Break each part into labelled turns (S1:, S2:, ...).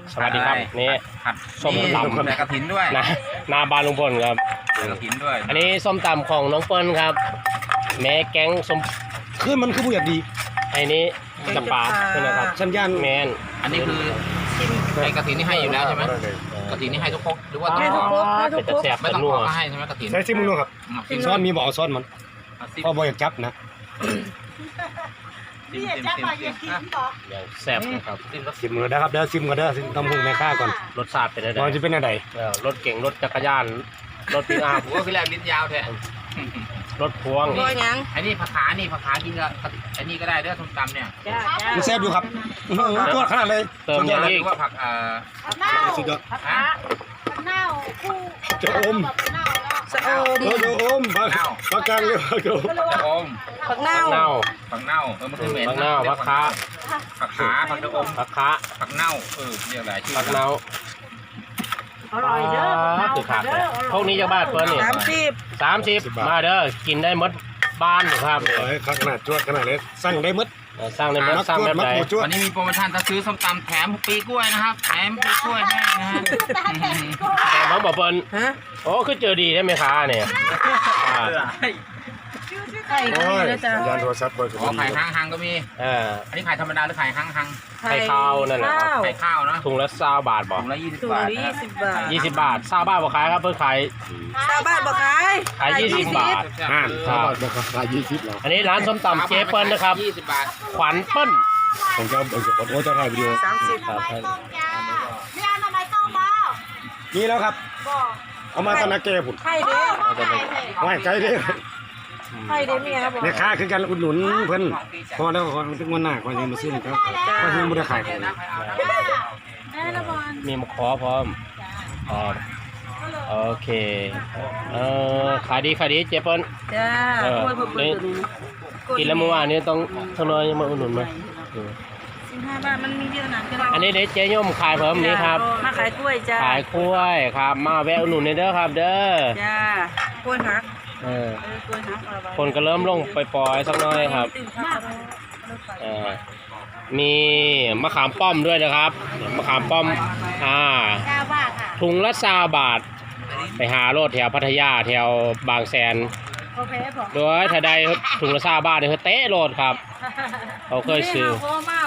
S1: สวัสดีครับนี่ส้มตำ
S2: แต่กระถินด้วย
S1: นาบานลุงพลครับ
S2: กระถินด้วย
S1: อันนี้ส้มตำของน้องเปิ้ลครับแม่แก๊งส้ม
S3: คือมันคือผู้อยากดี
S1: ไอ้นี้จำปาใช่ไหมครับ
S3: สัญญาณ
S1: แมน
S2: อันนี้คือไอ้กระถินนี่ให้อยู่แล้วใช่ไหมกระถินนี่ให้ทุกครกหรือว่าต้องขอ
S1: เป็นตะแสบ
S2: ไม่
S1: เป็น
S2: ต้อง
S1: นั
S2: ข
S1: ว
S2: อก็ให้ใช่ไหมกระถิน
S3: ใช้ซิมมึงดูครับซ้อนมีบอกเอาซ้อนมันพอบ่อยากจับนะ
S2: ซิมซิมซิมซิม
S1: อย่างแซ่บนะครับ
S3: ซิมกันนะครับเดี๋ยวซิมกันเด้อซิมตำหุ่งแม่ค้าก่อน
S1: รสชาติเป็นอะไร
S3: มันจะเป็นอะไร
S1: รถเก่งรถจักรยานรถปิกอัพ
S2: ผมก็คือแรกลิ้นยาวแท้
S1: รถพวง
S2: อันนี้ผักขานี่ผักขากินกับอันนี้ก็ได้เด้อส้มตำเนี่ย
S3: มันแซ่บอยู่ครับตัวขนาดเลย
S1: เติม
S2: เรี
S1: ยัง
S2: ย
S1: อีก
S2: กว่าผัก
S3: สุดยอด
S2: ฮะ
S3: จะอม
S4: สะอม
S3: จะอมผักกลางเรียกว่าจะอม
S2: จะอม
S4: ผักเน่า
S1: เน่า
S2: ผักเน่ามันคือเหม็น
S1: ผักเน่าผักขา
S2: ผักขาผักจะอม
S1: ผักขา
S2: ผักเน่าเรียกอะไรชื่อ
S1: ผักเน่า
S4: อร่อยเด้อ
S1: คือขาดเลยพวกนี้จะบ้านเปิ้ลนี่
S4: 30
S1: มาเด้อกินได้หมดบ้านอยู่ครับ
S3: ขนาดจวดขนาดเล็กสั่งได้มด
S1: สร้างในเมืองสร้างแบบไหน
S3: จวด
S2: วันนี้มีโปรโมชั่นถ้าซื้อส้มตำแถมปีกล้วยนะครับแถมปีกล้วยให้นะฮะ
S1: แต่น้องบอกเปิ้ล
S4: ฮะ
S1: โอ้คือเจอดีได้ไหมคะเนี่ย
S4: ไข่
S3: โอ้
S4: ก็
S3: ย
S4: มีนะจ๊ะ
S3: ยานโทรศัพท์เบอร์
S2: อ๋อไข่ห้างก็มี อันนี้ไข่ธรรมดาหรือไข่ห้าง
S1: ไข่ข้าวนั่นแหละครับ
S2: ไข่ข้าวเนาะ
S1: ถุงละ20 บาทบอก
S2: ถุงละ20
S4: ถุง
S2: บาท
S4: ละ20 บาท
S1: 20 บาท20 บาทบอกขายครับเพื่อขาย
S4: ชาวบ้านบอกขาย
S1: ขาย20 บาท
S3: ครับราคา20แล้ว
S1: อันนี้ร้านส้มตำเจ๊เปิ้ลนะครับ
S2: 20 บาท
S1: ขวัญเปิ้ล
S3: ผมจะโอ้จะถ่ายวิดีโอ
S4: 30
S1: ครับ
S3: นี่แล้วครับเอามาตะนาเกผุน
S4: ไข่เด้อ
S3: ไว้ใจเด้อ
S4: ไข่เด้อเมียครับบอก
S3: แม่ค้าคือกันอุดหนุนเพิ่นพอแล้วพอถึงวันหน้าก็ยังมาซื้อครับก็ยังบ่ได้ขายของ
S1: มีมะขอพร้อมโอเคขายดีเจ๊เปิ้ล
S4: จ้าโอ้ยเพิ่มตัวนี้
S1: กินแล้วเมื่อวานนี้ต้องทนอยยังมาอุดหนุนมา
S4: 15 บาทมันมีเยอะนะ
S1: อันนี้เด็กเจ๊ย่อมขายเพิ่มนี้ครับ
S4: มาขายกล้วยจ้า
S1: ขายกล้วยครับมาแวะอุดหนุนในเด้อครับเด้อ
S4: จ้ากล้วยหักกล้วยหักเอาไว้
S1: คนก็เริ่มลงไปปล่อยสักหน้อยครับมีมะขามป้อมด้วยนะครับมะขามป้อมถุงละ20 บาทไปหาโลดแถวพัทยาแถวบางแสนโดยถ้าได้ถุงละ20 บาทเนี่ยเขาเตะโลดครับเขาเคยซื้อ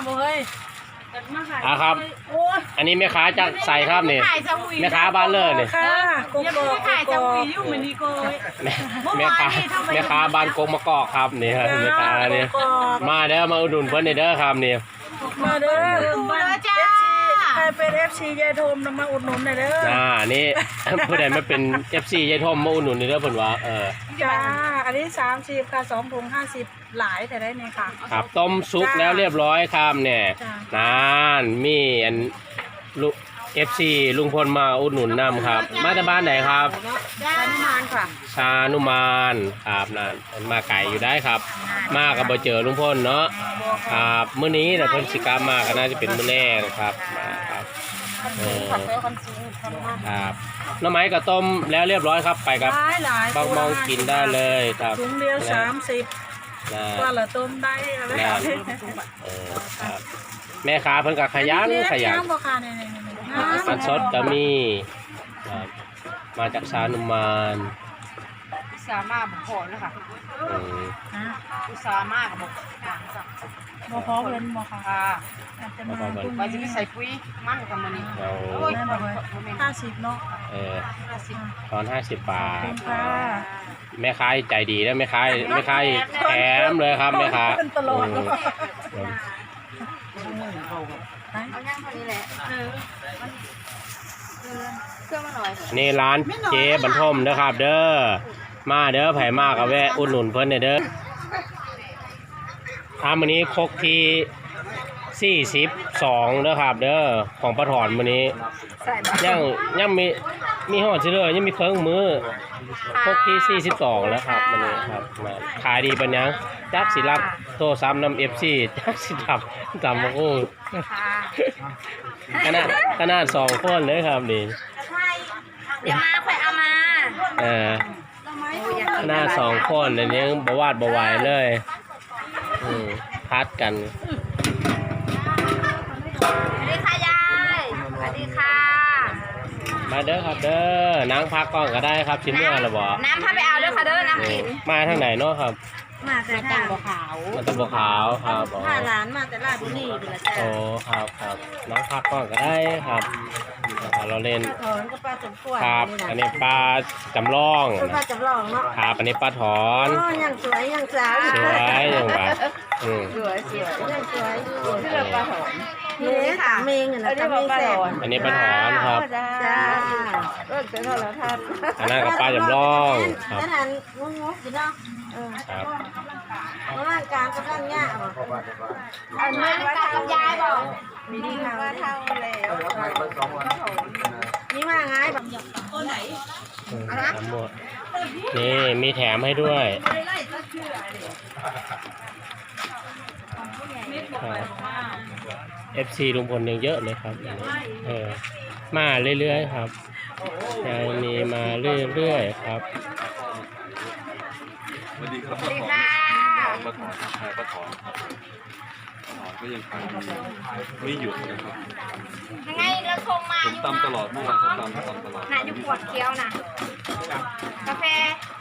S1: ครับอันนี้แม่ค้าจะใส่ครับนี่แม่ค้าบ้านเลยนี่
S4: ค่ะกบกขายจะมีอยู่เหมือนนี้ก็
S1: แม่ค้าบ้านกงมะกอกครับนี่ครับแม่ค้านี่มาเด้อมาอุดหนุนเพิ่นเด้อครับนี่
S4: มาเด้อจ้าใครเป็น FC ยายโทมมาอุดหนุนหน่อยเด้อ
S1: นี่ ผู้ใดมาเป็น FC ยายทอมมาอุดหนุนเด้อเพิ่นว่า
S4: จ้าอันนี้30ค่ะ2ถุง50หลายแต่ได้เนี่ยค่ะ
S1: ครับต้มซุปแล้วเรียบร้อยครับเนี่ยนั่นมีอันลูก FC ลุงพลมาอุดหนุนนำครับมาจากบ้านไหนครับ
S4: ชานุมานค่ะ
S1: ชานุมานครับนั่นมาไก่อยู่ได้ครับ มากับบ่เจอลุงพลเนาะครับมื้อนี้น่ะเพิ่นสิกลับมาก็น่าจะเป็นมื้อแรกนะครับมาครับครับน้ำไม้กับต้มแล้วเรียบร้อยครับไปครับ
S4: หลาย
S1: บางมองกินได้เลยครับ
S4: ถุงเดียว30ว่าละต้มได้อะไร
S1: ครับแม่ค้าเพิ่นก็ขยัน
S4: น้ำบ่ค่ะเนี่ย
S1: มันสดก็มีครับมาจากชานุมาน
S4: สามารถบอกพอแล้วค่ะอุตสาห์มากบอกบอกพอเพิ่นบอกค่ะจะมาว่าจะไปใส่ปุ๋ยมั่นกับมันนี่50เนาะ
S1: ตอน50 บาท
S4: ค่ะ
S1: แม่ค้าใจดีแล้วแม่ค้าแถมเลยครับแม่ค้า
S4: เอาย่างพอดีแหละเครื่องมาหน่อย
S1: นี่ร้านเจ๊บรรทมนะครับเด้อมาเด้อไผมากกับแวะอุดหนุนเพิ่นเด้อมื้อนี้ครกที่42เด้อครับเด้อของปลาถอนมื้อนี้ยังมีห่อเฉลยยังมีเครื่องมือครกที่42แล้วครับมื้อนี้ครับมาขายดีปานยังจักสิรับโทรศัพท์นำ FC จักสิรับจำบ่ฮู้ขนาด2คนเลยครับนี่
S4: เดี๋ยวมาค่อยเอามา
S1: หน้า2คนอันนี้บ่วาดบ่ไหวเลยพัดกัน
S4: สวัสดีค่ะยายสวัสดี
S1: มาเด้อครับเด้อนางพักก่อนก็ได้ครับชิ้นเมื่อหรือบ่
S4: น้ำพาไปเอาเด้อค่ะเด้อน้ำกิน
S1: มาทางไหนเนาะครับ
S5: มาแต่
S4: มา
S5: ทา
S4: ตั้ง
S5: ง
S4: บ่ขาว
S1: มาตะบัวขาวครับอ๋อ
S5: พาหลานมาแต่ราชบุรีเป็นละจ้า
S1: โอ้ครับครับน้องพักก่อนก็ได้ครับเราเล่น
S5: ถอนก็ป้าสมควร
S1: ครับ อันนี้ปลาจำลอง
S5: คุณป้าจำลองเนาะ
S1: ครับอันนี้ปลาถอน
S5: อ๋อยังสวยยังสาว
S1: สวยอย่างแบบ
S5: สวยยังสวยอยู่
S4: ที่เราปลาหอม
S5: นี่ค่ะเมงนะตาเมงแสบ
S1: อันนี้ปลาถอนครับ
S5: จ้า
S4: เจอแล้วท่าน
S1: อันนั้นกับปลาจำลองครับ
S5: นั่นหันงงๆอยู่เนาะ
S1: ครับ
S5: ร่างกลางกับร่างย่าบ่
S4: อันนี้ว่าทำยายบอก
S5: มีดีว่าเท่าแล้วนี่ว่าไงแบบ
S1: ทั้งหมดนี่มีแถมให้ด้วยครับ FC ลุงพลยังเยอะเลยครับมาเรื่อยๆครับยังมีมาเรื่อยๆครับ
S6: สวัสดีครับ
S4: สวัสดีค่ะ
S6: ป้าถอนใช่ป้าถอนครับป้าถอนก็ยังขายดีไม่หยุดนะครับ
S4: ยังไงเราชมมา
S6: ผมตำตลอดเมื่อวานก็ตำตลอด
S4: น่ะอยู่ปวดเคี้ยวนะกาแฟ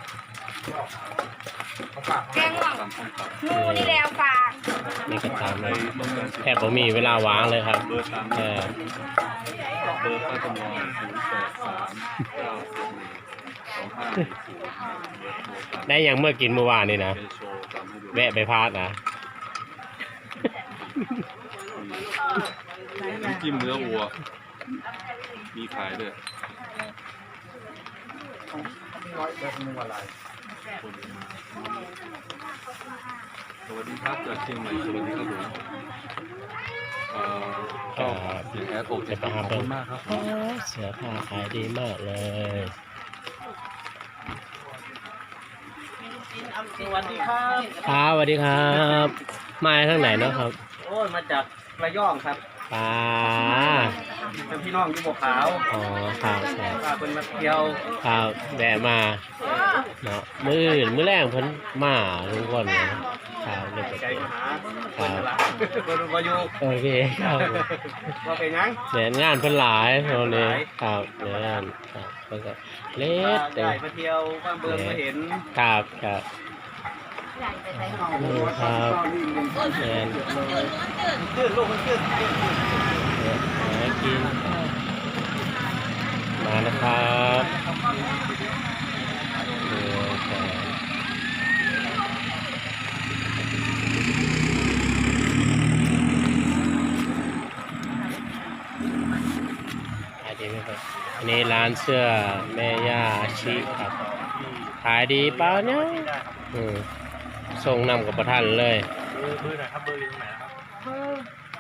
S4: แกงง่วง
S6: ตำส้มตำ
S4: งูนี่แล้วฝาก
S1: นี่ก็ตาม
S6: ใน
S1: เลย
S6: ต้องการ
S1: แทบไม่มีเวลาว่างเลยครับ
S6: เบอร์ตามเบอร์ป้าจำลอง083 941 2510
S1: ได้ยังเมื่อกินเมื่อวานนี่นะ
S6: เป็นโชว์ตามให้ดู
S1: แวะไปพาดนะ
S6: น้ำจิ้มเนื้อวัว มีขายด้วยสวัสดีครับจากเชียงใหม่สวัสดีครับผมก็เสียงแอดอกจะขอบคุณมากครับ
S1: เสื้อผ้าขายดีมากเลย
S7: สวัสดีครับ
S1: ครับสวัสดีครับ มาทางไหนเนาะครับ
S7: โอ้ยมาจากระยองครับ
S1: ปลา
S7: เป็นพี่น้องอยู่บัวขาว
S1: อ๋อครับครับ
S7: พาเพิ่นมาเที่ยว
S1: ครับแวะมาเนาะมื้ออื่นมื้อแรกเพิ่นมาทุกคนเลยครับเดี๋ยว
S7: ใจ
S1: จะ
S7: มาหาเพิ่นนั่นล่ะเพิ่นบ่อยู่
S1: โอเคครับ
S7: ว่าเป็นหยัง
S1: เดี๋ยวงานเพิ่นหลายตอนนี้ครับเดี๋ยวงานครับเพิ่นก็เล็ดเต็
S7: ได้
S1: ม
S7: มาเที่ยวบ้านเบิ่งมาเห็น
S1: ครับครับนี่ครับแอน
S7: ขึ้นลูกมันขึ้น
S1: หากินมานะครับนี่ครับขายดีไหมครับอันนี้ร้านเสื้อแม่ย่าอาชิครับขายดีเปล่าเนี่ยส่งนำกับประทันเลย
S7: เบอร์ไหนครับเบอร์อยู่ตรงไหนครับ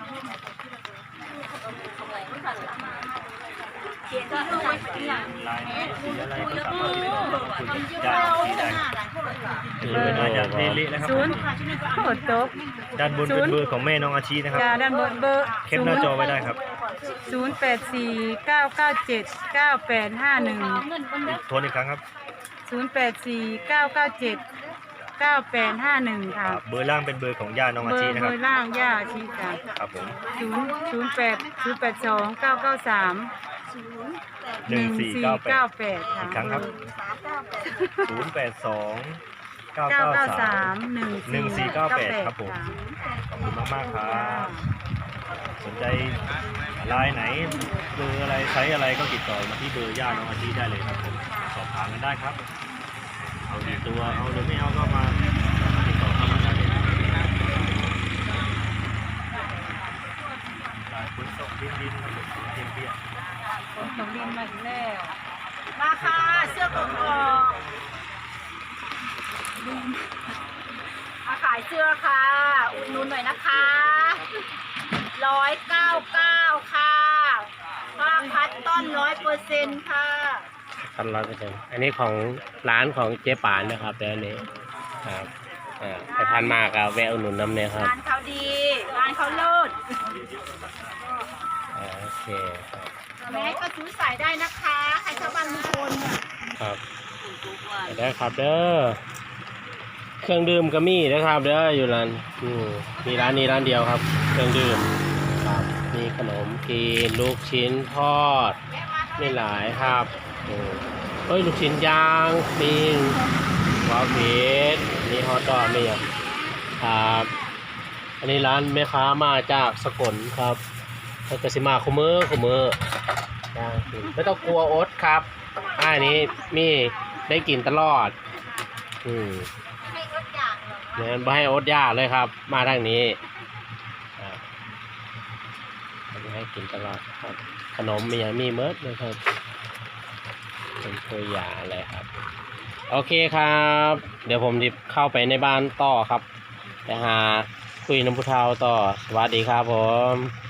S7: ลายไหนสีอะไรก็สามารถติดต่อมาคุยกับญาติที่ได้มาจากเทลินะครับ
S5: ศูนย์โคตรตก
S7: ด้านบนเป็นเบอร์ของแม่น้องอาชีนะครับ
S5: จ้าด้านบนเบอร์
S7: แคปหน้าจอไว้ได้ครับ
S5: 0849979851
S7: โทรอีกครั้งครับ
S5: 0849979851ค่ะ
S7: เบอร์ล่างเป็นเบอร์ของญาติน้องอาชีนะค
S5: เบ
S7: รับ
S5: อร์ล่างย่าชีจ้ะ
S7: ครับผม
S5: 0829931
S7: 1498
S5: ค่ะ
S7: อีกครั้งครับ 082 993 1498 ครับผม ขอบคุณมากๆครับ สนใจไลน์ไหนเบอร์อะไรไซส์อะไรก็ติดต่อมาที่เบอร์ญาติน้องอาชีได้เลยครับผมสอบถามกันได้ครับ เอาดีตัวเอาหรือไม่เอาก็มาติดต่อเข้ามาได้เลยสายขนส่งดินครับผมเทียมเปีย
S5: คนของดินมาอีกแล้ว
S4: มาค่ะเสื้อกกอกมาขายเสื้อค่ะอุดหนุนหน่อยนะคะ199ค่ะผ้าคัตตอน100%ค่ะ
S1: พัน100%อันนี้ของร้านของเจ๊ป่านนะครับเดี๋ยวนี้ครับไปพันมากอะแวะอุดหนุนน้ำเนี่ยครับ
S4: งานเขาดีงานเขาเลิศ
S1: โอเคครับ
S4: แม่ก็ซื้อใส่ได้นะคะใครชอบบ้านลุงพล
S1: ครับได้ครับเด้อเครื่องดื่มก็มีนะครับเด้ออยู่ร้านมีร้านนี้ร้านเดียวครับ เครื่องดื่มครับมีขนมกินลูกชิ้นทอด
S4: แม่มาท
S1: มีหลายครับเฮ้ยลูกชิ้นย่างมีวาฟีดมีฮอทดอกมีอ่ะครับอันนี้ร้านแม่ค้ามาจากสกลครับแล้วก็สิมาคุมือย่างกินไม่ต้องกลัวอดครับอันนี้มีได้กินตลอดเนี่ยไม่ให้อดยากเลยครับมาทางนี้ให้กินตลอดครับขนมมีอย่างมีเมิร์ดเลยครับเป็นตัวอย่างอะไรครับโอเคครับเดี๋ยวผมจะเข้าไปในบ้านต่อครับไปหาคุยน้ำพุเทาต่อสวัสดีครับผม